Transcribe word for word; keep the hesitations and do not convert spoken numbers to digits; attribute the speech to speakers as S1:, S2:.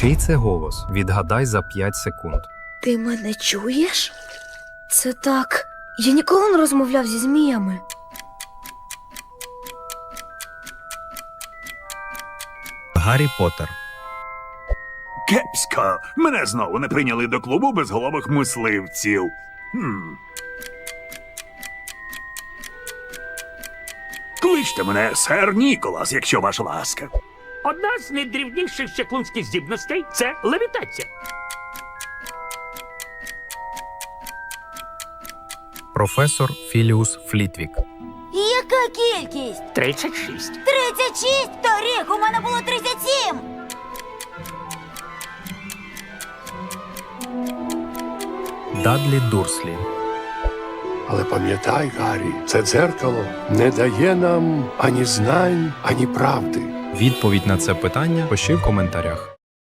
S1: Чий це голос? Відгадай за п'ять секунд.
S2: Ти мене чуєш? Це так. Я ніколи не розмовляв зі зміями.
S1: Гаррі Поттер.
S3: Кепсько. Мене знову не прийняли до клубу безголових мисливців. Хм. Кличте мене сер Ніколас, якщо ваша ласка.
S4: Одна з найдрівніших чаклунських здібностей – це левітація.
S1: Професор Філіус Флітвік.
S5: Яка кількість?
S4: тридцять шість.
S5: тридцять шість? Торік у мене було тридцять сім.
S1: Дадлі Дурслі.
S6: Але пам'ятай, Гаррі, це дзеркало не дає нам ані знань, ані правди.
S1: Відповідь на це питання пиши в коментарях.